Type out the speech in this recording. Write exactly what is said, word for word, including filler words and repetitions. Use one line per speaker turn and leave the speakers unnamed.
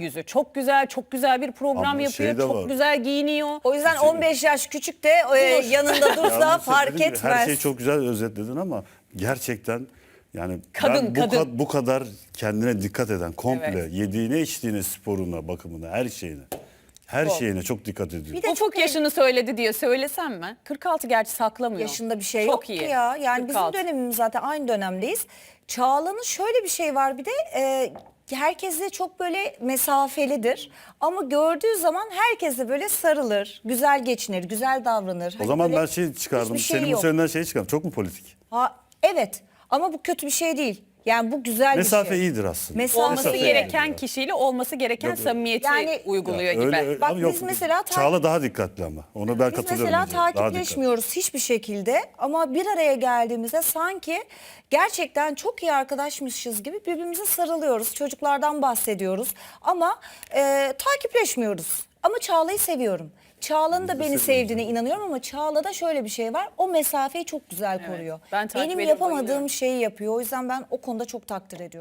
yüzü çok güzel, çok güzel bir program
Ama
yapıyor,
şey de
çok
var.
güzel giyiniyor.
O yüzden on beş yaş küçük de e, yanında dursa
Yalnız
fark
dediğim gibi
etmez.
Her şeyi çok güzel özetledin ama gerçekten yani
Kadın,
ben bu,
kadın.
ka- bu kadar kendine dikkat eden, komple
Evet.
yediğine, içtiğine, sporuna, bakımına, her şeyine. Her
Çok.
şeyine çok dikkat ediyor.
Bir de
Ufuk
çok
yaşını söyledi diye söylesem mi? kırk altı gerçi saklamıyor.
yaşında bir şey
çok
yok
iyi.
ki ya. Yani
kırk altı.
bizim dönemimiz zaten aynı dönemdeyiz. Çağla'nın şöyle bir şey var bir de e, herkesle çok böyle mesafelidir. Ama gördüğü zaman herkesle böyle sarılır, güzel geçinir, güzel davranır.
O
Hani
zaman
böyle
ben şey çıkardım.
hiçbir şey
Senin bu
yok.
söylediğinden şey çıkardım. Çok mu politik?
Ha, evet ama bu kötü bir şey değil. Yani bu güzel
Mesafe
bir şey.
iyidir aslında.
Mesafe
Olması
Mesafe
gereken
iyidir.
kişiyle olması gereken
Yok, yok.
samimiyeti
Yani-
uyguluyor
Ya
gibi.
öyle- öyle-
Bak
ama yok,
biz mesela ta-
Çağla daha dikkatli ama. Ona ben
Biz
katılıyorum.
mesela
Ece. Daha dikkatli.
takipleşmiyoruz hiçbir şekilde ama bir araya geldiğimizde sanki gerçekten çok iyi arkadaşmışız gibi birbirimize sarılıyoruz. Çocuklardan bahsediyoruz ama e, takipleşmiyoruz. Ama Çağla'yı seviyorum. Çağla'nın da
Biz de
beni
seviyoruz
sevdiğine
yani.
inanıyorum ama Çağla'da şöyle bir şey var. O mesafeyi çok güzel
Evet,
koruyor.
ben takip
Benim
edip
yapamadığım
bayılıyorum.
şeyi yapıyor. O yüzden ben o konuda çok takdir ediyorum.